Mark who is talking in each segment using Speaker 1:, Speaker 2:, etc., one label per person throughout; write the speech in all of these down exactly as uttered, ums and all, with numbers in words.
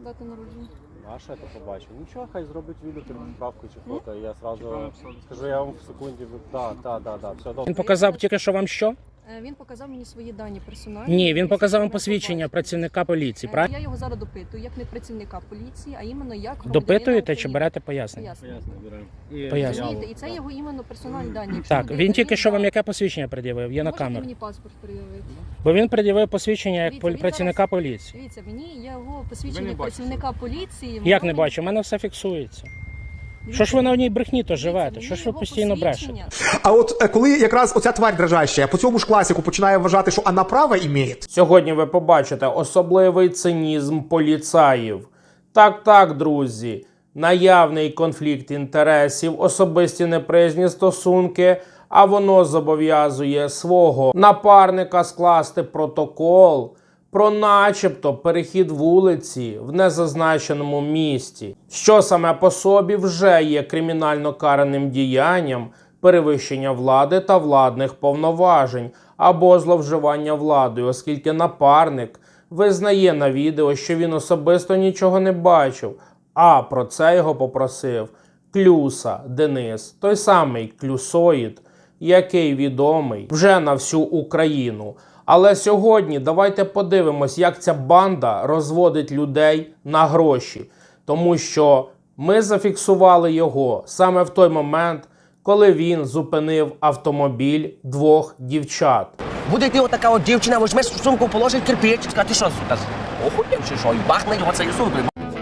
Speaker 1: дата народження?
Speaker 2: А що я то побачив? Нічого, хай зробить відео, відправку чи фото, і я одразу скажу, я вам в секунді, так, так, так, так, все добре.
Speaker 3: Він показав тільки що вам що?
Speaker 1: Е, Він показав мені свої дані персональні.
Speaker 3: Ні, він показав вам
Speaker 1: Я
Speaker 3: посвідчення
Speaker 1: побачила.
Speaker 3: працівника поліції,
Speaker 1: Е,
Speaker 3: правильно?
Speaker 1: Я його зараз допитую, як не працівника поліції, а іменно як громадянина
Speaker 3: Допитуєте чи
Speaker 1: України.
Speaker 3: берете пояснення?
Speaker 1: Пояснення.
Speaker 3: Пояснення.
Speaker 1: Розумієте? І це його іменно персональні дані. Якщо
Speaker 3: Так,
Speaker 1: буде
Speaker 3: він тільки що вам
Speaker 1: перевірка,
Speaker 3: яке посвідчення пред'явив? Є на
Speaker 1: можете
Speaker 3: камеру.
Speaker 1: мені паспорт пред'явити?
Speaker 3: Бо він пред'явив посвідчення як
Speaker 1: Дивіться,
Speaker 3: полі-
Speaker 1: він
Speaker 3: працівника
Speaker 1: зараз-
Speaker 3: поліції.
Speaker 1: Дивіться, мені його
Speaker 2: Ви
Speaker 1: посвідчення
Speaker 2: не
Speaker 1: працівника поліції.
Speaker 3: Як не
Speaker 1: мені-
Speaker 3: бачу, у мене все фіксується.
Speaker 1: Дивіться,
Speaker 3: Що ж ви на одній брехні то
Speaker 1: дивіться,
Speaker 3: живете?
Speaker 1: мені
Speaker 3: Що ж ви
Speaker 1: його
Speaker 3: постійно брешете?
Speaker 1: посвідчення-
Speaker 4: А от е, коли якраз оця тварь дрожаща по цьому ж класику починає вважати, що вона право імеє,
Speaker 3: Сьогодні ви побачите особливий цинізм поліцаїв. Так, так, друзі, наявний конфлікт інтересів, особисті неприязні стосунки, а воно зобов'язує свого напарника скласти протокол про начебто перехід вулиці в незазначеному місті, що саме по собі вже є кримінально караним діянням перевищення влади та владних повноважень або зловживання владою, оскільки напарник визнає на відео, що він особисто нічого не бачив, а про це його попросив Клюса Денис, той самий клюсоїд, який відомий вже на всю Україну. Але сьогодні давайте подивимось, як ця банда розводить людей на гроші. Тому що ми зафіксували його саме в той момент, коли він зупинив автомобіль двох дівчат.
Speaker 5: Буде йти отака от дівчина, візьме сумку, положить кирпич, скаже, ти що, сука, охуєв чи що, і бахне його цією сумкою.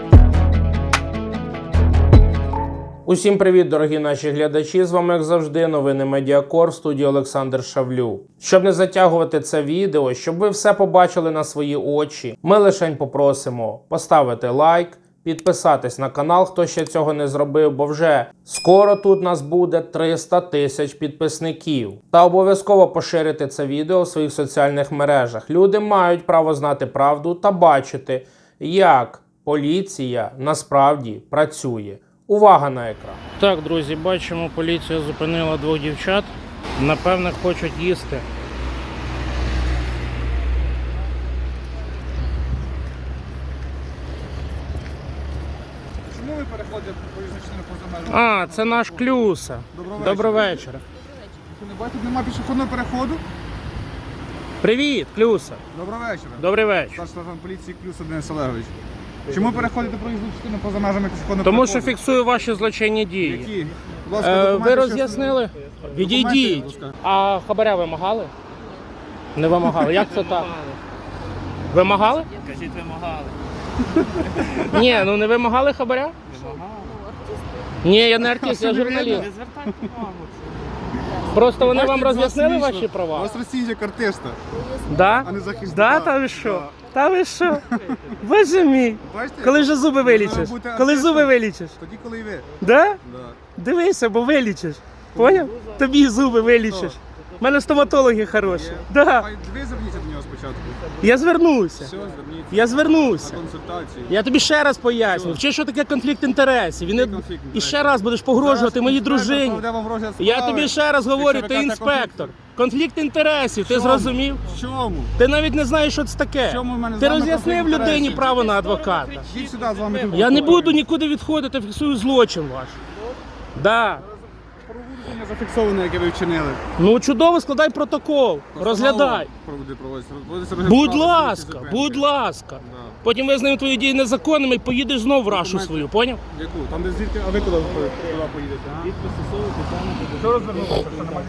Speaker 3: Усім привіт, дорогі наші глядачі! З вами, як завжди, новини Медіакор, в студії Олександр Шавлю. Щоб не затягувати це відео, щоб ви все побачили на свої очі, ми лишень попросимо поставити лайк, підписатись на канал, хто ще цього не зробив, бо вже скоро тут нас буде триста тисяч підписників. Та обов'язково поширити це відео в своїх соціальних мережах. Люди мають право знати правду та бачити, як поліція насправді працює. Увага на екран. Так, друзі, бачимо, поліція зупинила двох дівчат. Напевне, хочуть їсти.
Speaker 2: Чому ви переходите по визначенню поза межами?
Speaker 3: А, це наш Клюса.
Speaker 2: Доброго вечора.
Speaker 3: Доброго вечора.
Speaker 2: Ви не бачите, немає пішохідного переходу?
Speaker 3: Привіт, Клюса.
Speaker 2: Доброго вечора.
Speaker 3: Добрий вечір.
Speaker 2: Старший сержант поліції Клюс Денис Олегович. Чому переходите проїзну частину поза межами пішохідного
Speaker 3: Тому
Speaker 2: переходу?
Speaker 3: що фіксую ваші злочинні дії.
Speaker 2: Які? Будь ласка,
Speaker 3: Е,
Speaker 2: документи,
Speaker 3: ви
Speaker 2: що
Speaker 3: роз'яснили?
Speaker 2: Документи,
Speaker 3: Відійдіть.
Speaker 2: будь ласка.
Speaker 3: А хабаря вимагали? Не вимагали. Як це так? Вимагали?
Speaker 6: Кажіть, вимагали.
Speaker 3: Ні, ну не вимагали хабаря? Ні, я не артист, я журналіст.
Speaker 6: Не звертайте увагу.
Speaker 3: Просто вони
Speaker 2: Бачите,
Speaker 3: вам
Speaker 2: як з вас
Speaker 3: роз'яснили
Speaker 2: смішно?
Speaker 3: ваші
Speaker 2: У
Speaker 3: права?
Speaker 2: вас Росія як артиста,
Speaker 3: Да?
Speaker 2: а не захисника.
Speaker 3: Да, та ви що? Та ви що? Боже мій.
Speaker 2: Бачите?
Speaker 3: Коли вже зуби
Speaker 2: Можна
Speaker 3: вилічиш?
Speaker 2: бути
Speaker 3: Коли
Speaker 2: артистом.
Speaker 3: зуби вилічиш?
Speaker 2: Тоді, коли і ви.
Speaker 3: Да?
Speaker 2: Да.
Speaker 3: Дивися, бо вилічиш. Поняв? Тобі зуби вилічиш. У мене стоматологи хороші. Да.
Speaker 2: Хай ви зверніться до нього спочатку.
Speaker 3: Я звернуся.
Speaker 2: Все, зверніться.
Speaker 3: Я звернуся.
Speaker 2: На консультацію.
Speaker 3: Я тобі ще раз поясню. Вчи, що таке конфлікт інтересів. І, не...
Speaker 2: конфлікт
Speaker 3: і
Speaker 2: інтересів?
Speaker 3: ще раз будеш погрожувати
Speaker 2: Зараз
Speaker 3: моїй
Speaker 2: інспектор
Speaker 3: дружині.
Speaker 2: проведе вам розгляд
Speaker 3: Я
Speaker 2: справи.
Speaker 3: тобі ще раз говорю,
Speaker 2: Якщо
Speaker 3: ти
Speaker 2: ви кажете
Speaker 3: інспектор. Конфлікт інтересів, ти
Speaker 2: Чому?
Speaker 3: зрозумів?
Speaker 2: В чому?
Speaker 3: Ти навіть не знаєш, що це таке.
Speaker 2: В чому в мене з
Speaker 3: Ти
Speaker 2: вами
Speaker 3: роз'яснив
Speaker 2: конфлікт
Speaker 3: людині
Speaker 2: інтересів?
Speaker 3: право на адвоката.
Speaker 2: Йдіть сюди, з вами тут.
Speaker 3: Я не буду нікуди відходити, фіксую злочин ваш. Да.
Speaker 2: Проводження зафіксоване, яке ви вчинили.
Speaker 3: Ну чудово, складай протокол, розглядай.
Speaker 2: Проводи, проводиться. Проводиться розгляд
Speaker 3: Будь
Speaker 2: справи,
Speaker 3: ласка,
Speaker 2: зупинки.
Speaker 3: будь ласка.
Speaker 2: Да.
Speaker 3: Потім визнаємо твої дії незаконними і поїдеш знову в рашу
Speaker 2: Документи.
Speaker 3: свою, поняв?
Speaker 2: Яку? Там де звідки? А ви куди, куди поїдете? а? Що розвернувся? Що, немає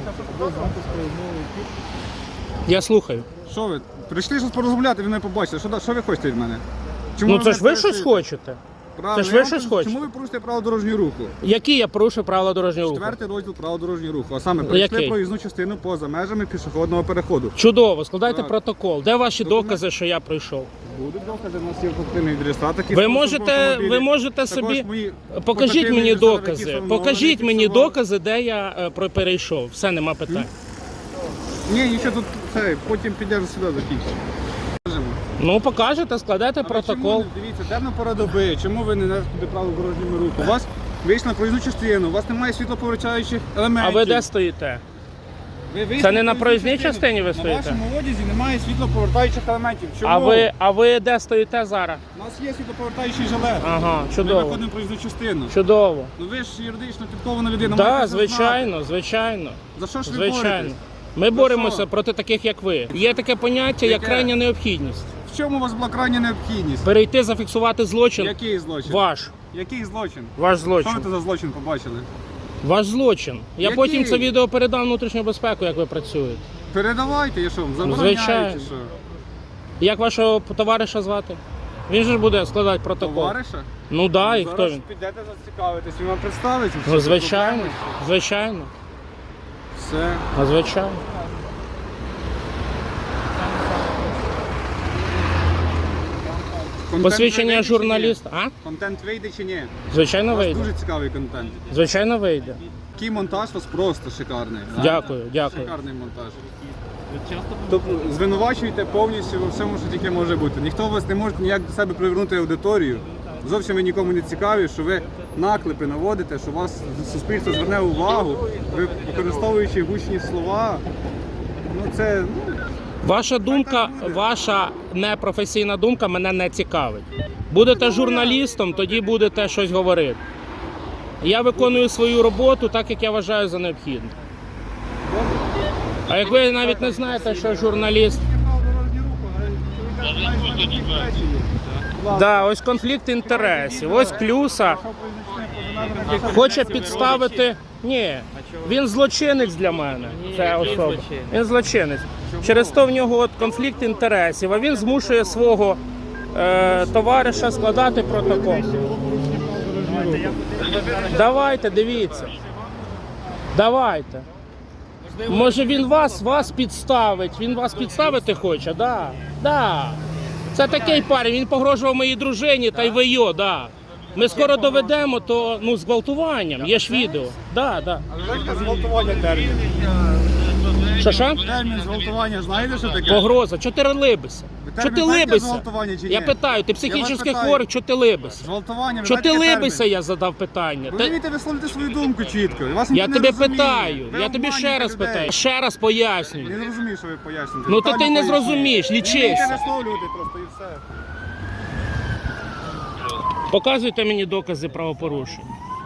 Speaker 3: Я слухаю.
Speaker 2: Що ви? Прийшли щось порозмовляти, ви мене побачите. Що, да- що ви хочете від мене? Чому
Speaker 3: Ну це ж ви
Speaker 2: мене
Speaker 3: щось
Speaker 2: переслідуєте?
Speaker 3: хочете.
Speaker 2: Правильно,
Speaker 3: ж
Speaker 2: я
Speaker 3: ви
Speaker 2: вам
Speaker 3: щось
Speaker 2: кажу,
Speaker 3: хочете.
Speaker 2: Чому ви порушуєте право дорожнього руху?
Speaker 3: Які я порушив правила дорожнього руху?
Speaker 2: Четвертий розділ права дорожнього руху. А саме прийшли
Speaker 3: Який?
Speaker 2: проїзну частину поза межами пішохідного переходу.
Speaker 3: Чудово, складайте
Speaker 2: Так.
Speaker 3: протокол. Де ваші
Speaker 2: Документ.
Speaker 3: докази, що я прийшов?
Speaker 2: Будуть докази, у нас є фактивний реєстратор.
Speaker 3: Ви можете, ви можете собі... Покажіть мені докази. Покажіть мені докази, де я е, про- перейшов. Все, нема питань.
Speaker 2: Ні, нічого тут, це, потім підеш сюди закінчимо.
Speaker 3: Ну покажете, складайте протокол.
Speaker 2: Дивіться, денна пора доби, чому ви не несете право дорожнього руху? У вас вийшли на проїзну частину, у вас немає світлоповертаючих
Speaker 3: А
Speaker 2: елементів.
Speaker 3: ви де стоїте?
Speaker 7: Ви вийшли
Speaker 3: Це не на
Speaker 7: на
Speaker 3: проїзній
Speaker 7: проїзну
Speaker 3: частині ви
Speaker 7: На
Speaker 3: стоїте?
Speaker 7: вашому одязі немає світлоповертаючих елементів. Чому?
Speaker 3: А ви, а ви де стоїте зараз?
Speaker 7: У нас є світлоповертаючий жилет.
Speaker 3: Ага,
Speaker 7: Ми
Speaker 3: чудово.
Speaker 7: виходимо в проїзну частину.
Speaker 3: Чудово.
Speaker 7: Ну ви ж юридично підкована людина.
Speaker 3: Так,
Speaker 7: маєте це
Speaker 3: звичайно, звичайно.
Speaker 7: знати. За що ж ви
Speaker 3: Звичайно.
Speaker 7: боретесь?
Speaker 3: Ми
Speaker 7: За
Speaker 3: боремося
Speaker 7: що?
Speaker 3: проти таких, як ви. Є таке поняття, як
Speaker 7: Яке?
Speaker 3: крайня необхідність.
Speaker 7: В чому у вас була крайня необхідність?
Speaker 3: Перейти, зафіксувати злочин.
Speaker 7: Який злочин?
Speaker 3: Ваш.
Speaker 7: Який злочин?
Speaker 3: Ваш
Speaker 7: Що ви
Speaker 3: злочин.
Speaker 7: тут за злочин побачили?
Speaker 3: Ваш злочин. Я
Speaker 7: Який?
Speaker 3: потім це відео передам внутрішню безпеку, як ви працюєте.
Speaker 7: Передавайте, я що, вам
Speaker 3: Звичайно.
Speaker 7: забороняєте, що?
Speaker 3: Як вашого товариша звати? Він же ж буде складати протокол.
Speaker 7: Товариша?
Speaker 3: Ну так, да, і
Speaker 7: Зараз
Speaker 3: хто він?
Speaker 7: підете зацікавитись, він вам представиться.
Speaker 3: Ну, звичайно, звичайно.
Speaker 7: Все.
Speaker 3: А звичайно.
Speaker 7: Контент
Speaker 3: Посвідчення
Speaker 7: вийде чи ні?
Speaker 3: журналіста. А?
Speaker 7: Контент вийде чи ні? У
Speaker 3: Звичайно
Speaker 7: вас
Speaker 3: вийде.
Speaker 7: дуже цікавий контент.
Speaker 3: Звичайно вийде.
Speaker 7: Такий монтаж у вас просто шикарний. да?
Speaker 3: Дякую, дякую.
Speaker 7: Шикарний монтаж. Тобто звинувачуєте повністю во всьому, що тільки може бути. Ніхто вас не може ніяк до себе привернути аудиторію. Зовсім ви нікому не цікаві, що ви наклепи наводите, що вас суспільство зверне увагу, ви використовуючи гучні слова. Ну це ну,
Speaker 3: Ваша думка, ваша непрофесійна думка мене не цікавить. Будете журналістом, тоді будете щось говорити. Я виконую свою роботу так, як я вважаю за необхідне. А як ви навіть не знаєте, що журналіст... Да, ось конфлікт інтересів, ось Клюса хоче підставити... Ні, він злочинець для мене, це особа. Він злочинець. Через то в нього от конфлікт інтересів, а він змушує свого е, товариша складати протокол. Давайте, дивіться. Давайте. Може він вас, вас підставить, він вас підставити хоче, да, да. Це такий парень, він погрожував моїй дружині та й ви його, да. Ми скоро доведемо, то ну, зґвалтуванням, є ж відео. Да, да.
Speaker 7: зґвалтування термін.
Speaker 3: Що, що?
Speaker 7: Термін зґвалтування, знаєте, що таке?
Speaker 3: Погроза, чого ти либися?
Speaker 7: Ви
Speaker 3: Чого
Speaker 7: термін
Speaker 3: ти
Speaker 7: знаєте
Speaker 3: либися?
Speaker 7: зґвалтування чи ні?
Speaker 3: Я питаю, ти
Speaker 7: Я вас
Speaker 3: психічно
Speaker 7: питаю.
Speaker 3: хворий, чого ти либися?
Speaker 7: Зґвалтування, ви
Speaker 3: Чого ти
Speaker 7: знаєте,
Speaker 3: либися,
Speaker 7: термін?
Speaker 3: я задав питання.
Speaker 7: Ви
Speaker 3: Та-
Speaker 7: вмієте висловити свою думку чітко. Вас
Speaker 3: Я
Speaker 7: ніхто не
Speaker 3: тебе
Speaker 7: розуміє.
Speaker 3: питаю,
Speaker 7: Ви
Speaker 3: я тобі ще
Speaker 7: обманюєте
Speaker 3: раз
Speaker 7: людей.
Speaker 3: питаю, ще раз пояснюю.
Speaker 7: Я не розумію, що ви пояснюєте.
Speaker 3: Ну, то
Speaker 7: Детально
Speaker 3: ти не
Speaker 7: пояснюю.
Speaker 3: зрозумієш,
Speaker 7: Ви
Speaker 3: лічися.
Speaker 7: вмієте висловлювати просто і все.
Speaker 3: Показуйте мені докази правопорушення.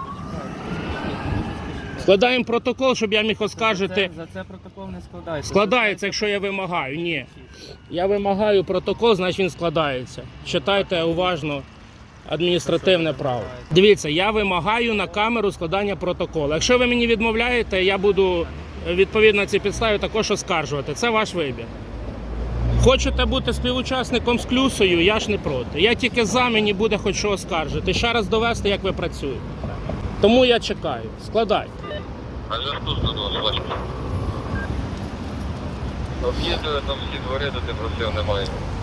Speaker 3: Складаємо протокол, щоб я міг оскаржити.
Speaker 6: За це протокол не складається.
Speaker 3: Складається, якщо я вимагаю. Ні. Я вимагаю протокол, значить він складається. Читайте уважно адміністративне право. Дивіться, я вимагаю на камеру складання протоколу. Якщо ви мені відмовляєте, я буду відповідно цій підставі також оскаржувати. Це ваш вибір. Хочете бути співучасником з Клюсою, я ж не проти. Я тільки за, мені буде хоч що оскаржити. Ще раз довести, як ви працюєте. Тому я чекаю. Складайте.
Speaker 8: А зв'язку сто два, бачите. Об'їздили там всі двори, де ти просив, немає.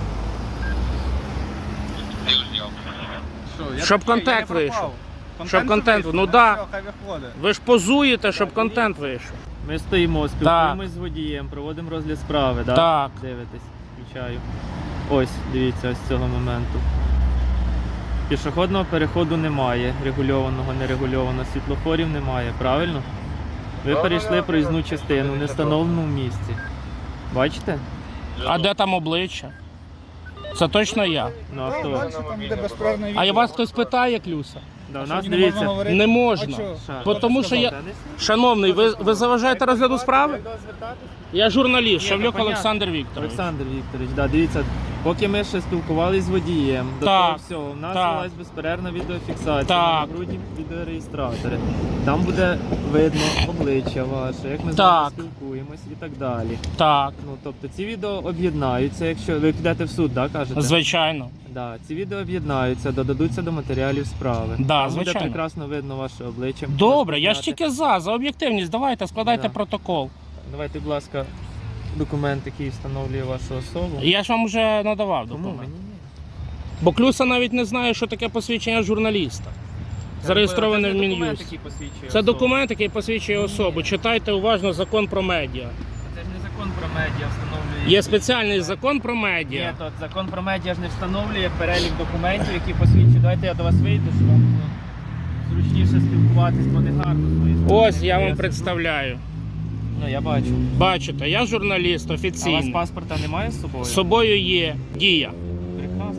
Speaker 8: Ти зняв.
Speaker 7: Що, я
Speaker 3: Щоб
Speaker 7: такий,
Speaker 3: контент
Speaker 7: я не
Speaker 3: вийшов.
Speaker 7: пропав.
Speaker 3: Щоб контент,
Speaker 7: вийшов,
Speaker 3: ну да.
Speaker 7: все, хай виходить.
Speaker 3: Ви ж позуєте, щоб контент вийшов.
Speaker 6: Ми стоїмо, спілкуємось з водієм, проводимо розгляд справи, да?
Speaker 3: Так.
Speaker 6: Дивитесь, включаю. Ось, дивіться, ось з цього моменту. Пішохідного переходу немає, регульованого, нерегульованого, світлофорів немає, правильно? Ви перейшли проїзну частину в невстановленому місці. Бачите?
Speaker 3: А де там обличчя? Це точно я.
Speaker 6: Ну а хто?
Speaker 7: Дальше там буде безперервне
Speaker 3: А
Speaker 7: відео.
Speaker 3: і вас хтось питає, Клюса?
Speaker 6: Да, у
Speaker 7: Що,
Speaker 6: нас
Speaker 7: не можна
Speaker 6: дивіться.
Speaker 7: говорити?
Speaker 3: Не
Speaker 7: А
Speaker 3: можна.
Speaker 7: чого?
Speaker 6: Ша.
Speaker 3: Бо тому що я...
Speaker 6: Та не с-
Speaker 3: Шановний, ви, ви заважаєте розгляду справи? Я журналіст,
Speaker 6: Ні,
Speaker 3: Шавлюк
Speaker 6: ну, понятно.
Speaker 3: Олександр Вікторович.
Speaker 6: Олександр Вікторович, да, дивіться, поки ми ще спілкувалися з водієм, до
Speaker 3: Так,
Speaker 6: того всього, у нас
Speaker 3: так.
Speaker 6: велась безперервна відеофіксація
Speaker 3: Так.
Speaker 6: на грудні відеореєстратори. Там буде видно обличчя ваше, як ми з
Speaker 3: Так.
Speaker 6: вами спілкуємось і так далі.
Speaker 3: Так,
Speaker 6: Ну, тобто ці відео об'єднаються, якщо ви підете в суд, да, кажете?
Speaker 3: звичайно.
Speaker 6: Да, ці відео об'єднаються, додадуться до матеріалів справи.
Speaker 3: Да,
Speaker 6: Там
Speaker 3: звичайно.
Speaker 6: буде прекрасно видно ваше обличчя.
Speaker 3: Добре, я ж
Speaker 6: Розпізнати.
Speaker 3: тільки за, за об'єктивність. Давайте, складайте
Speaker 6: Да.
Speaker 3: протокол.
Speaker 6: Давайте, будь ласка, документ, який встановлює вашу особу.
Speaker 3: Я ж вам вже надавав
Speaker 6: Кому?
Speaker 3: документ.
Speaker 6: Мені ні.
Speaker 3: Бо Клюса навіть не знає, що таке посвідчення журналіста. Зареєстроване в
Speaker 6: Це не документ,
Speaker 3: Мін'юсті.
Speaker 6: який посвідчує
Speaker 3: Це
Speaker 6: особу.
Speaker 3: документ, який посвідчує особу. Читайте уважно закон про медіа.
Speaker 6: Це ж не закон про медіа встановлює.
Speaker 3: Є спеціальний закон про
Speaker 6: Ні,
Speaker 3: медіа.
Speaker 6: то закон про медіа ж не встановлює перелік документів, які посвідчують. Давайте я до вас вийду, щоб вам було зручніше спілкуватись, бо не гарно з моєї сторони.
Speaker 3: Ось я
Speaker 6: коли
Speaker 3: вам
Speaker 6: сиджу.
Speaker 3: представляю.
Speaker 6: Ну, я бачу.
Speaker 3: Бачите, я журналіст
Speaker 6: А у вас
Speaker 3: офіційний.
Speaker 6: паспорта немає з собою?
Speaker 3: З собою є дія.
Speaker 6: Прекрасно.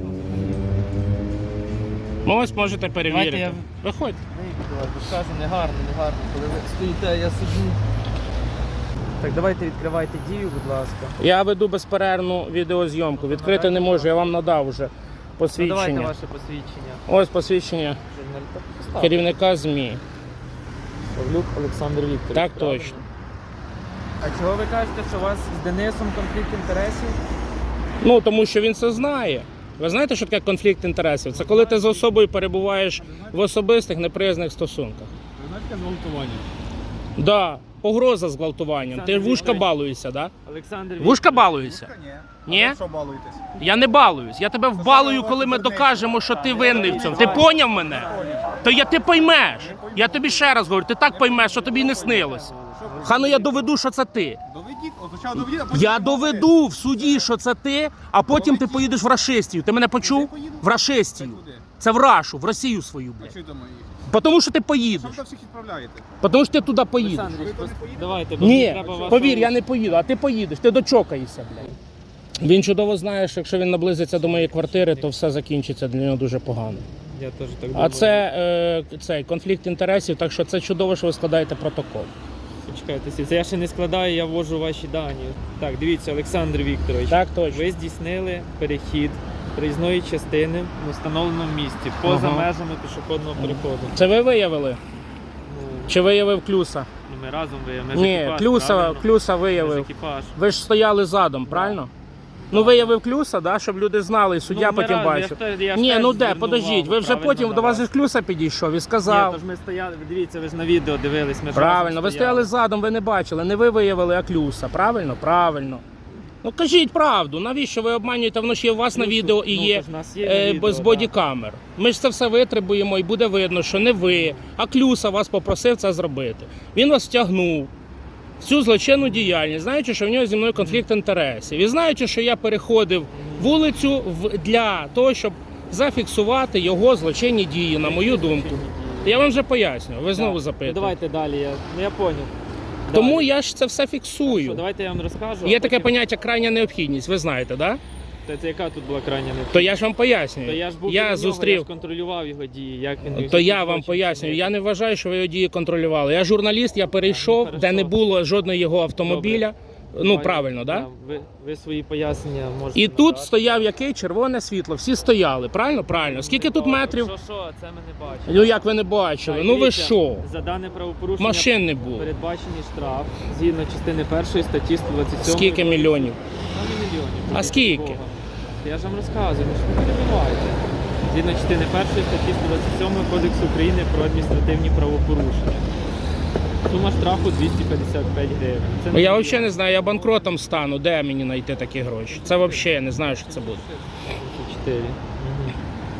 Speaker 3: Ну, ось можете перевірити.
Speaker 6: Давайте я-
Speaker 3: Виходьте.
Speaker 6: Скажу, не гарно, не гарно. Коли ви стоїте, я сиджу. Так, давайте відкривайте дію, будь ласка.
Speaker 3: Я веду безперервну відеозйомку. Відкрити не можу, я вам надав вже
Speaker 6: Ну,
Speaker 3: посвідчення.
Speaker 6: давайте ваше посвідчення.
Speaker 3: Ось посвідчення
Speaker 6: Журналіста.
Speaker 3: керівника ЗМІ.
Speaker 6: Павлюк Олександр Вікторович.
Speaker 3: Так
Speaker 6: правильно?
Speaker 3: точно.
Speaker 6: А чого ви кажете, що у вас з Денисом конфлікт інтересів?
Speaker 3: Ну, тому що він це знає. Ви знаєте, що таке конфлікт інтересів? Це коли ти з особою перебуваєш в особистих неприязних стосунках.
Speaker 7: Ви знаєте, таке зґвалтування?
Speaker 3: Да, погроза зґвалтуванням. Ти
Speaker 6: Олександр
Speaker 3: вушка
Speaker 6: Вікторович.
Speaker 3: балуєшся, да?
Speaker 6: Олександр
Speaker 3: Вушка балуєшся?
Speaker 7: Ні.
Speaker 3: Ні?
Speaker 7: А ви що балуєтесь?
Speaker 3: Я не балуюсь. Я тебе вбалую, коли ми докажемо, що ти винний в цьому. Ти поняв мене? То я ти поймеш. Я тобі ще раз говорю, ти так поймеш, що тобі не снилось. Хано я доведу, що це ти.
Speaker 7: Доведіть, от спочатку доведіть, а потім...
Speaker 3: Я доведу в суді, що це ти, а потім ти поїдеш в Рашистію. Ти мене почув? В Рашистію. Це в Рашу, в Росію свою,
Speaker 7: А
Speaker 3: блядь.
Speaker 7: що там їх?
Speaker 3: Тому що ти
Speaker 7: Що
Speaker 3: поїдеш.
Speaker 7: ви там всіх відправляєте?
Speaker 3: Тому що ти туди поїдеш.
Speaker 6: Олександр Вікторович, давайте, бо мені
Speaker 3: Ні,
Speaker 6: треба вашого-
Speaker 3: повір, я не поїду, а ти поїдеш, ти дочокаєшся, блядь. Він чудово знає, що якщо він наблизиться до моєї квартири, то все закінчиться для нього дуже погано.
Speaker 6: Я теж так думаю.
Speaker 3: А це е, цей конфлікт інтересів, так що це чудово, що ви складаєте протокол.
Speaker 6: Почекайте, це я ще не складаю, я ввожу ваші дані. Так, дивіться, Олександр Вікторович.
Speaker 3: Так точно.
Speaker 6: Ви здійснили перехід проїзної частини в встановленому місці, поза
Speaker 3: Ага.
Speaker 6: межами пішохідного переходу.
Speaker 3: Це ви виявили?
Speaker 6: Ну,
Speaker 3: Чи виявив Клюса?
Speaker 6: ну, ми разом виявили. Ми ж
Speaker 3: Ні,
Speaker 6: екіпаж,
Speaker 3: Клюса,
Speaker 6: правильно?
Speaker 3: Клюса
Speaker 6: Ми ж
Speaker 3: виявив.
Speaker 6: екіпаж.
Speaker 3: Ви ж стояли задом, правильно? Ну виявив Клюса, да, щоб люди знали, і суддя
Speaker 6: Ну, ми
Speaker 3: потім
Speaker 6: разом, я
Speaker 3: бачив.
Speaker 6: ж теж- я ж
Speaker 3: Ні,
Speaker 6: теж
Speaker 3: ну де,
Speaker 6: звернув
Speaker 3: подождіть,
Speaker 6: увагу,
Speaker 3: ви вже
Speaker 6: правильно,
Speaker 3: потім
Speaker 6: на
Speaker 3: до вас
Speaker 6: вас.
Speaker 3: же Клюса підійшов і
Speaker 6: Ні,
Speaker 3: сказав.
Speaker 6: тож ми стояли, дивіться, ви ж на відео дивились. Ми ж
Speaker 3: Правильно,
Speaker 6: разом
Speaker 3: ви стояли задом, ви не бачили, не ви виявили, а Клюса. Правильно? Правильно. Ну кажіть правду, навіщо ви обманюєте, воно ж є у вас на
Speaker 6: Клюсу,
Speaker 3: відео і
Speaker 6: ну,
Speaker 3: є
Speaker 6: тож в нас є на
Speaker 3: е,
Speaker 6: відео,
Speaker 3: без
Speaker 6: да.
Speaker 3: бодікамер. Ми ж це все витребуємо і буде видно, що не ви, а Клюса вас попросив це зробити. Він вас втягнув в цю злочинну діяльність, знаючи, що в нього зі мною конфлікт інтересів. І знаючи, що я переходив вулицю в- для того, щоб зафіксувати його злочинні дії, на мою думку. Я вам вже пояснюю, ви знову
Speaker 6: Ну,
Speaker 3: запитуєте.
Speaker 6: давайте далі, я, ну, я поняв.
Speaker 3: Тому
Speaker 6: Далі.
Speaker 3: я ж це все
Speaker 6: Що,
Speaker 3: фіксую.
Speaker 6: давайте я вам розкажу.
Speaker 3: Є
Speaker 6: а
Speaker 3: таке
Speaker 6: потім-
Speaker 3: поняття крайня необхідність, ви знаєте, так? Да?
Speaker 6: Та це яка тут була крайня необхідність?
Speaker 3: То я ж вам пояснюю.
Speaker 6: То я ж був біля
Speaker 3: я
Speaker 6: нього, я
Speaker 3: зустрів.
Speaker 6: ж контролював його дії, як він міг
Speaker 3: То я
Speaker 6: злочин
Speaker 3: вам пояснюю.
Speaker 6: чинити.
Speaker 3: Я не вважаю, що ви його дії контролювали. Я журналіст, я перейшов,
Speaker 6: хорошо.
Speaker 3: де не було жодного його автомобіля. Ну
Speaker 6: Давай,
Speaker 3: правильно, да?
Speaker 6: Ви, ви свої пояснення можете
Speaker 3: І тут
Speaker 6: надати.
Speaker 3: стояв який червоне світло. Всі стояли. Правильно? Правильно. Скільки тут
Speaker 6: Добре,
Speaker 3: метрів?
Speaker 6: Що, що, це ми не бачимо.
Speaker 3: Ну як ви не бачили?
Speaker 6: Так,
Speaker 3: Ну ви
Speaker 6: дивіться,
Speaker 3: що?
Speaker 6: За дане правопорушення
Speaker 3: Машин не було.
Speaker 6: передбачений штраф згідно частини першої статті сто двадцять сьом.
Speaker 3: Скільки мільйонів?
Speaker 6: Саме мільйонів.
Speaker 3: А
Speaker 6: Будь
Speaker 3: скільки?
Speaker 6: Бога. Я ж вам розказую, ну що ви перебиваєте. Згідно частини першої статті сто двадцять сьом Кодексу України про адміністративні правопорушення. Сума штрафу двісті п'ятдесят п'ять гривень. Це
Speaker 3: Ну, я
Speaker 6: не
Speaker 3: взагалі не знаю, я банкротом стану. Де мені знайти такі гроші? Це взагалі я не знаю, що це буде.
Speaker 6: чотири. Мгм.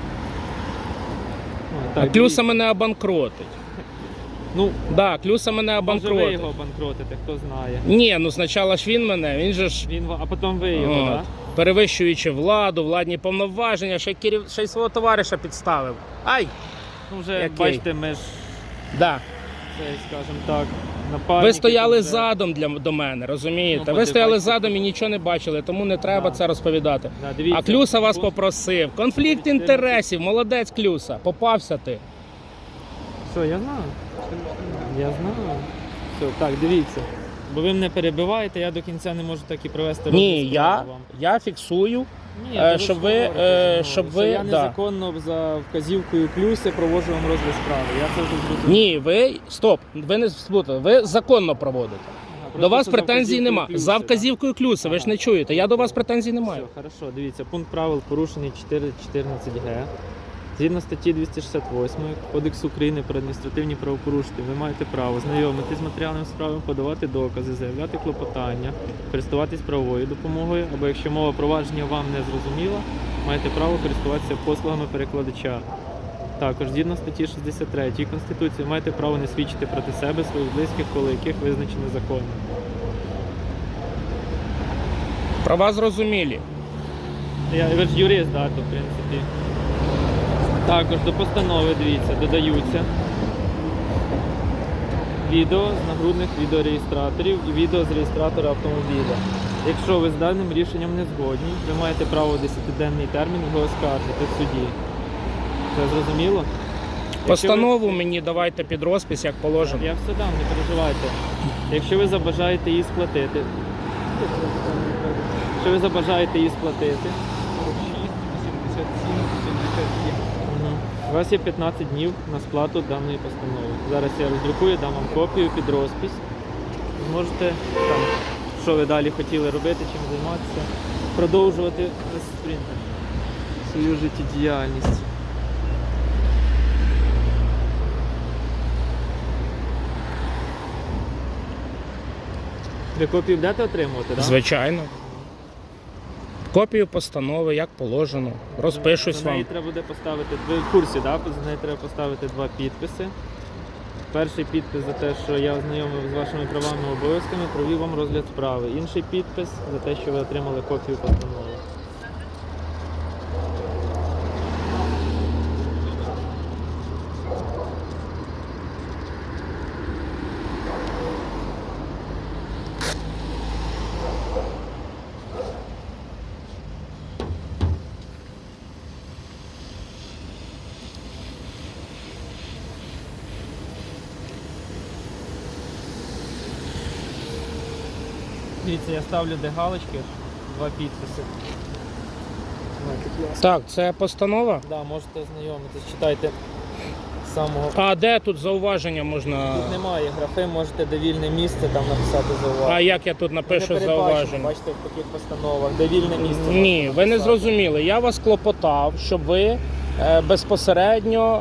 Speaker 6: О,
Speaker 3: А
Speaker 6: так,
Speaker 3: Клюса
Speaker 6: дивіться.
Speaker 3: мене обанкротить.
Speaker 6: Ну,
Speaker 3: Да, Клюса мене
Speaker 6: може ви
Speaker 3: обанкротить.
Speaker 6: його обанкротите, хто знає.
Speaker 3: Ні, ну спочатку ж він мене, він же ж
Speaker 6: Він, ва- а потім ви його,
Speaker 3: от,
Speaker 6: так?
Speaker 3: перевищуючи владу, владні повноваження, ще, керів... ще й свого товариша підставив. Ай!
Speaker 6: Ну вже,
Speaker 3: Який?
Speaker 6: бачите, ми ж,
Speaker 3: Да.
Speaker 6: це, скажімо так, напарники.
Speaker 3: Ви стояли
Speaker 6: тут вже-
Speaker 3: задом для, до мене, розумієте?
Speaker 6: Ну,
Speaker 3: Ви
Speaker 6: бо
Speaker 3: стояли
Speaker 6: бачите,
Speaker 3: задом і нічого не бачили, тому не треба
Speaker 6: Да.
Speaker 3: це розповідати.
Speaker 6: Да, дивіться,
Speaker 3: А Клюса вас
Speaker 6: пункт-
Speaker 3: попросив. Конфлікт
Speaker 6: чотирнадцять.
Speaker 3: інтересів, молодець Клюса, попався ти.
Speaker 6: Що, я знаю? Я знаю. Все, так, дивіться. Бо ви мене перебиваєте, я до кінця не можу так і провести
Speaker 3: Ні,
Speaker 6: розгляд
Speaker 3: я,
Speaker 6: справи вам.
Speaker 3: я фіксую.
Speaker 6: Ні,
Speaker 3: е,
Speaker 6: то
Speaker 3: щоб
Speaker 6: ж
Speaker 3: ви,
Speaker 6: говорите
Speaker 3: е,
Speaker 6: зі мною,
Speaker 3: щоб
Speaker 6: що
Speaker 3: ви-
Speaker 6: я
Speaker 3: да.
Speaker 6: незаконно за вказівкою Клюси проводжу вам розгляд справи. Я це вже зрозумів.
Speaker 3: Ні, ви стоп, ви не сплутали, ви законно проводите.
Speaker 6: Ага,
Speaker 3: До
Speaker 6: просто
Speaker 3: вас
Speaker 6: за
Speaker 3: претензій
Speaker 6: вказівкою
Speaker 3: нема.
Speaker 6: Клюси,
Speaker 3: За
Speaker 6: да.
Speaker 3: вказівкою Клюса, ви ж
Speaker 6: Ага.
Speaker 3: не чуєте. Я до вас претензій не маю.
Speaker 6: Все, хорошо, дивіться, пункт правил порушений чотири чотирнадцять ге. Згідно статті двісті шістдесят восьмої Кодексу України про адміністративні правопорушення, ви маєте право знайомитись з матеріалами справи, подавати докази, заявляти клопотання, користуватись правовою допомогою, або якщо мова провадження вам не зрозуміла, маєте право користуватися послугами перекладача. Також, згідно статті шістдесят третьої Конституції, маєте право не свідчити проти себе, своїх близьких, коло яких визначено законом.
Speaker 3: Права зрозумілі.
Speaker 6: Я, ви ж юрист, да, то в принципі. Також до постанови, дивіться, додаються відео з нагрудних відеореєстраторів і відео з реєстратора автомобіля. Якщо ви з даним рішенням не згодні, ви маєте право в десятиденний термін його оскаржити в суді. Це зрозуміло? Якщо
Speaker 3: Постанову
Speaker 6: ви-
Speaker 3: мені давайте під розпис, як положено.
Speaker 6: Я все дам, не переживайте. Якщо ви забажаєте її сплатити, якщо ви забажаєте її сплатити, Мгм. у вас є п'ятнадцять днів на сплату даної постанови. Зараз я роздрукую, дам вам копію під розпис. Зможете там, що ви далі хотіли робити, чим займатися, продовжувати свою життєдіяльність. Ви копію будете отримувати, так?
Speaker 3: Звичайно. Копію постанови, як положено. Розпишусь
Speaker 6: За неї
Speaker 3: вам.
Speaker 6: треба буде поставити, ви в курсі, да? За неї треба поставити два підписи. Перший підпис за те, що я ознайомив з вашими правами і обов'язками, провів вам розгляд справи. Інший підпис за те, що ви отримали копію постанови. Дивіться, я ставлю де галочки, два підписи.
Speaker 3: Так, це постанова.
Speaker 6: Да, можете ознайомитись, читайте з самого.
Speaker 3: А де тут зауваження можна?
Speaker 6: Тут немає графи, можете де вільне місце там написати зауваження.
Speaker 3: А як я тут напишу
Speaker 6: Не передбачено,
Speaker 3: зауваження?
Speaker 6: бачите, в таких постановах, де вільне місце.
Speaker 3: Ні,
Speaker 6: можна
Speaker 3: ви не
Speaker 6: написати.
Speaker 3: зрозуміли. Я вас клопотав, щоб ви е, безпосередньо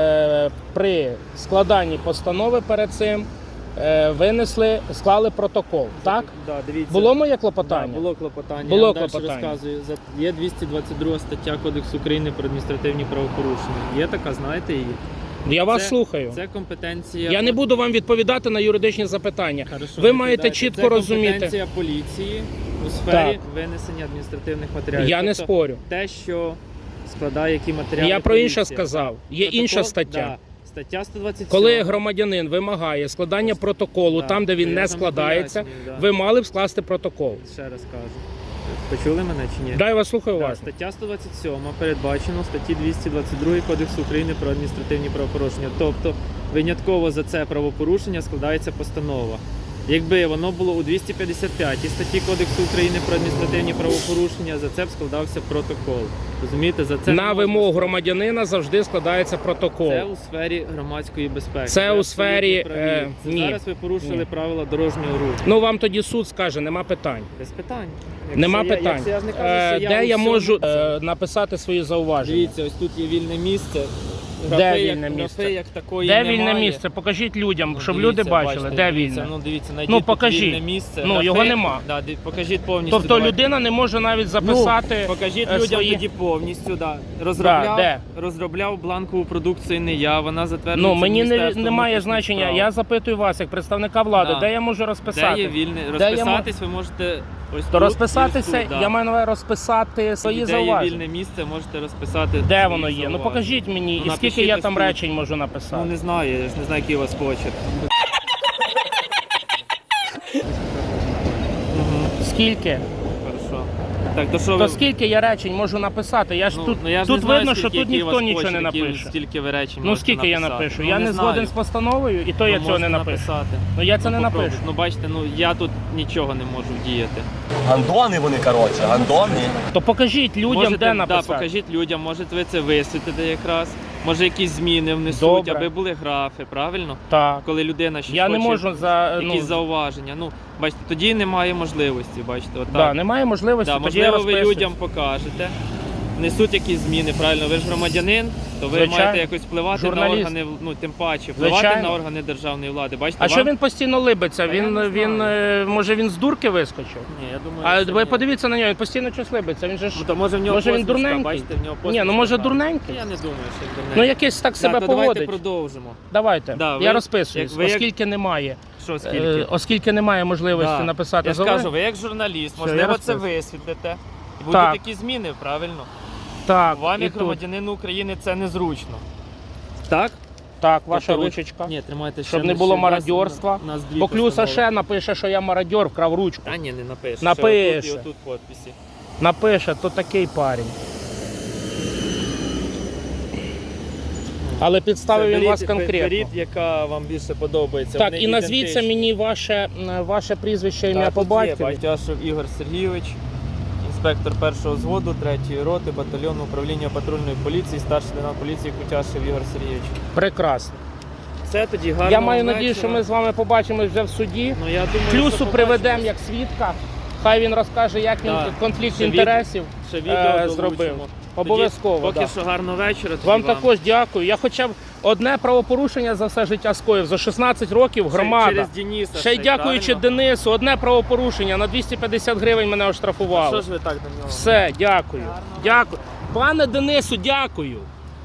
Speaker 3: е, при складанні постанови перед цим е, винесли, склали протокол. Так?
Speaker 6: Да, дивіться.
Speaker 3: Було моє
Speaker 6: Да,
Speaker 3: клопотання?
Speaker 6: було клопотання.
Speaker 3: Було
Speaker 6: Я вам далі
Speaker 3: клопотання.
Speaker 6: розказую. За- Є двісті двадцять друга стаття Кодексу України про адміністративні правопорушення. Є така, знаєте її?
Speaker 3: Я вас
Speaker 6: Це-
Speaker 3: слухаю.
Speaker 6: Це компетенція.
Speaker 3: Я не буду вам відповідати на юридичні запитання.
Speaker 6: Хорошо,
Speaker 3: Ви
Speaker 6: не
Speaker 3: маєте
Speaker 6: відповідайте.
Speaker 3: чітко
Speaker 6: Це
Speaker 3: розуміти.
Speaker 6: компетенція поліції у сфері
Speaker 3: Так.
Speaker 6: винесення адміністративних матеріалів.
Speaker 3: Я не
Speaker 6: Тобто
Speaker 3: спорю.
Speaker 6: Те, що складає які матеріали.
Speaker 3: Я про інше
Speaker 6: поліція.
Speaker 3: сказав. Є
Speaker 6: Протокол-
Speaker 3: інша стаття.
Speaker 6: Да. Стаття сто двадцять сім.
Speaker 3: Коли громадянин вимагає складання протоколу
Speaker 6: Так,
Speaker 3: там, де
Speaker 6: то
Speaker 3: він
Speaker 6: я
Speaker 3: не
Speaker 6: вам
Speaker 3: складається,
Speaker 6: пояснюю, да.
Speaker 3: ви мали б скласти протокол.
Speaker 6: Ще раз кажу. Почули мене чи ні?
Speaker 3: Да, я вас слухаю
Speaker 6: Да,
Speaker 3: уважно.
Speaker 6: стаття сто двадцять сім передбачено в статті двісті двадцять два Кодексу України про адміністративні правопорушення. Тобто винятково за це правопорушення складається постанова. Якби воно було у двісті п'ятдесят п'ятій статті Кодексу України про адміністративні правопорушення, за це б складався протокол. Розумієте, за це не
Speaker 3: На
Speaker 6: можна
Speaker 3: вимогу
Speaker 6: складати.
Speaker 3: громадянина завжди складається протокол.
Speaker 6: Це у сфері громадської безпеки.
Speaker 3: Це
Speaker 6: Ви
Speaker 3: у сфері,
Speaker 6: абсолютно праві.
Speaker 3: е,
Speaker 6: Це
Speaker 3: ні.
Speaker 6: Зараз ви порушили
Speaker 3: Ні.
Speaker 6: правила дорожнього руху.
Speaker 3: Ну вам тоді суд скаже, нема питань.
Speaker 6: Без питань. Якщо
Speaker 3: Нема
Speaker 6: я,
Speaker 3: питань.
Speaker 6: якщо я ж не кажу,
Speaker 3: Е,
Speaker 6: що я
Speaker 3: Де
Speaker 6: у
Speaker 3: я
Speaker 6: всьому
Speaker 3: можу
Speaker 6: це-
Speaker 3: е, написати свої зауваження?
Speaker 6: Дивіться, ось тут є вільне місце.
Speaker 3: Де
Speaker 6: Графи,
Speaker 3: вільне
Speaker 6: як,
Speaker 3: місце?
Speaker 6: Графи, як такої
Speaker 3: Де
Speaker 6: немає.
Speaker 3: вільне місце? Покажіть людям,
Speaker 6: Ну,
Speaker 3: щоб
Speaker 6: дивіться,
Speaker 3: люди бачили,
Speaker 6: бачите,
Speaker 3: де
Speaker 6: дивіться,
Speaker 3: вільне.
Speaker 6: Ну, дивіться, знайдіть
Speaker 3: Ну,
Speaker 6: тут
Speaker 3: покажіть.
Speaker 6: вільне місце.
Speaker 3: Ну,
Speaker 6: Графи-
Speaker 3: його нема.
Speaker 6: Да, ди- покажіть повністю.
Speaker 3: Тобто
Speaker 6: давайте.
Speaker 3: людина не може навіть записати.
Speaker 6: Ну, покажіть
Speaker 3: е,
Speaker 6: людям
Speaker 3: свої...
Speaker 6: тоді повністю. Да. Розробляв,
Speaker 3: де?
Speaker 6: розробляв бланкову продукцію не я, вона затверджується
Speaker 3: Ну мені не,
Speaker 6: Міністерством
Speaker 3: немає
Speaker 6: внутрішніх
Speaker 3: значення.
Speaker 6: справ.
Speaker 3: Я запитую вас, як представника влади,
Speaker 6: Да.
Speaker 3: де я можу розписати?
Speaker 6: Де є вільне?
Speaker 3: Де я
Speaker 6: Розписатись ви можете ось
Speaker 3: То
Speaker 6: тут,
Speaker 3: розписатися,
Speaker 6: і ось тут, да.
Speaker 3: я маю на увазі розписати свої
Speaker 6: Де є
Speaker 3: зауваження.
Speaker 6: вільне місце, можете розписати.
Speaker 3: Де
Speaker 6: свої
Speaker 3: воно є? Ну
Speaker 6: зауваження.
Speaker 3: покажіть мені,
Speaker 6: Ну,
Speaker 3: і скільки
Speaker 6: напишіть
Speaker 3: я
Speaker 6: ось
Speaker 3: там
Speaker 6: тут.
Speaker 3: речень можу написати.
Speaker 6: Ну не знаю, я ж не знаю, який у вас почерк. Угу,
Speaker 3: Скільки?
Speaker 6: хорошо. Так, то що
Speaker 3: То
Speaker 6: ви...
Speaker 3: скільки я речень можу написати? Я ж
Speaker 6: Ну,
Speaker 3: тут
Speaker 6: ну, я ж
Speaker 3: тут
Speaker 6: не знаю,
Speaker 3: видно, що
Speaker 6: скільки,
Speaker 3: тут
Speaker 6: який у
Speaker 3: ніхто
Speaker 6: вас
Speaker 3: нічого не
Speaker 6: почерк, які ви-
Speaker 3: напише.
Speaker 6: Стільки ви речень
Speaker 3: Ну
Speaker 6: можете
Speaker 3: скільки я
Speaker 6: написати.
Speaker 3: напишу?
Speaker 6: Ну,
Speaker 3: я не
Speaker 6: знаю.
Speaker 3: згоден з постановою, і то я
Speaker 6: Ну,
Speaker 3: цього не
Speaker 6: можете
Speaker 3: напишу.
Speaker 6: написати.
Speaker 3: Ну я це не
Speaker 6: попробуйте.
Speaker 3: напишу.
Speaker 6: Ну бачите, ну я тут нічого не можу вдіяти.
Speaker 5: Гандони вони, коротше, гандони.
Speaker 3: То покажіть людям,
Speaker 6: Можете,
Speaker 3: де
Speaker 6: да,
Speaker 3: написати.
Speaker 6: покажіть людям, можете ви це висвітлити якраз. Може якісь зміни внесуть,
Speaker 3: Добре.
Speaker 6: аби були графи, правильно?
Speaker 3: Так.
Speaker 6: Коли людина щось
Speaker 3: Я не
Speaker 6: хоче,
Speaker 3: можу за
Speaker 6: якісь
Speaker 3: ну,
Speaker 6: зауваження. Ну, бачите, тоді немає можливості, бачите, отак.
Speaker 3: да, немає можливості.
Speaker 6: Да,
Speaker 3: тоді я
Speaker 6: можливо, ви
Speaker 3: розписуюсь.
Speaker 6: людям покажете, несуть якісь зміни, правильно? Ви ж громадянин, то ви
Speaker 3: Звичайно.
Speaker 6: маєте якось впливати
Speaker 3: Журналіст.
Speaker 6: на органи, ну тим паче, впливати
Speaker 3: Звичайно.
Speaker 6: на органи державної влади. Бачите,
Speaker 3: А
Speaker 6: вам...
Speaker 3: що він постійно либиться?
Speaker 6: Та я
Speaker 3: Він
Speaker 6: не
Speaker 3: він
Speaker 6: знаю.
Speaker 3: е, може він з дурки вискочив?
Speaker 6: Ні, я думаю,
Speaker 3: А
Speaker 6: що
Speaker 3: ви
Speaker 6: ні.
Speaker 3: подивіться на нього, він постійно щось либиться. Він же ж
Speaker 6: Ну, то може в нього
Speaker 3: може він
Speaker 6: посмішка,
Speaker 3: дурненький?
Speaker 6: бачите, в нього
Speaker 3: Ні, ну
Speaker 6: посмішка
Speaker 3: може
Speaker 6: гарна.
Speaker 3: дурненький.
Speaker 6: Я не думаю, що він дурненький.
Speaker 3: Ну якийсь так себе
Speaker 6: да, то давайте
Speaker 3: поводить.
Speaker 6: продовжимо.
Speaker 3: Давайте.
Speaker 6: Да,
Speaker 3: я
Speaker 6: ви-
Speaker 3: розписуюсь,
Speaker 6: як ви як-
Speaker 3: оскільки немає.
Speaker 6: Що, скільки?
Speaker 3: Е, оскільки немає можливості
Speaker 6: Да.
Speaker 3: написати
Speaker 6: Я ж
Speaker 3: зауваження.
Speaker 6: кажу, ви як журналіст,
Speaker 3: Все, я
Speaker 6: можливо, це
Speaker 3: розписую.
Speaker 6: висвітлите. І будуть
Speaker 3: Так.
Speaker 6: такі зміни, правильно?
Speaker 3: Так,
Speaker 6: Вам,
Speaker 3: і
Speaker 6: як
Speaker 3: тут.
Speaker 6: громадянину України, це незручно. Так?
Speaker 3: Так, ваша
Speaker 6: Тобто ви-
Speaker 3: ручечка.
Speaker 6: Ні, тримайте ще.
Speaker 3: Щоб не
Speaker 6: ще
Speaker 3: було
Speaker 6: нас-
Speaker 3: мародьорства.
Speaker 6: нас дві
Speaker 3: Бо Клюса
Speaker 6: постанови.
Speaker 3: ще напише, що я мародьор, вкрав ручку.
Speaker 6: Та ні, не напише.
Speaker 3: Напише.
Speaker 6: Ще отут і отут подписи.
Speaker 3: Напише, то такий парень. Але підставив він
Speaker 6: Беріть-
Speaker 3: вас конкретно.
Speaker 6: Беріть, яка вам більше подобається.
Speaker 3: Так,
Speaker 6: Вони
Speaker 3: і назвіться
Speaker 6: ідентичні.
Speaker 3: мені ваше, м, ваше прізвище, ім'я
Speaker 6: Так,
Speaker 3: по
Speaker 6: тут є
Speaker 3: батькові.
Speaker 6: Байтяшев Ігор Сергійович, інспектор першого взводу, третьої роти, батальйону управління патрульної поліції, старший лейтенант поліції Кутяшев Ігор Сергійович.
Speaker 3: Прекрасно.
Speaker 6: Все тоді гарно.
Speaker 3: Я маю надію, що ми з вами побачимось вже в суді.
Speaker 6: Ну, я думаю,
Speaker 3: Клюсу
Speaker 6: що
Speaker 3: приведемо
Speaker 6: побачимось.
Speaker 3: як свідка. Хай він розкаже, як він
Speaker 6: Так.
Speaker 3: конфлікт
Speaker 6: Ще від-
Speaker 3: інтересів
Speaker 6: Ще відео
Speaker 3: е,
Speaker 6: долучимо.
Speaker 3: зробив.
Speaker 6: Тоді
Speaker 3: Обов'язково.
Speaker 6: Поки
Speaker 3: да.
Speaker 6: що гарного вечора. тоді
Speaker 3: Вам також дякую. Я хоча б одне правопорушення за все життя скоїв. За шістнадцять років
Speaker 6: Ще-
Speaker 3: громада.
Speaker 6: Через Дениса.
Speaker 3: Ще й дякуючи
Speaker 6: правильно?
Speaker 3: Денису, одне правопорушення на двісті п'ятдесят гривень мене
Speaker 6: А
Speaker 3: оштрафували.
Speaker 6: що ж ви так до нього?
Speaker 3: Все, дякую. Дякую. Пане Денису, дякую.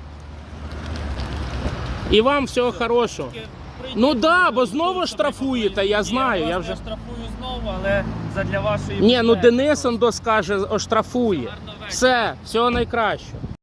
Speaker 3: І вам всього хорошого. Ну да, бо знову штрафуєте, я знаю. Я вже...
Speaker 6: штрафую знову, але задля вашої
Speaker 3: Ні, ну
Speaker 6: безпеки.
Speaker 3: Денис он скаже, оштрафує. Все, всього найкращого.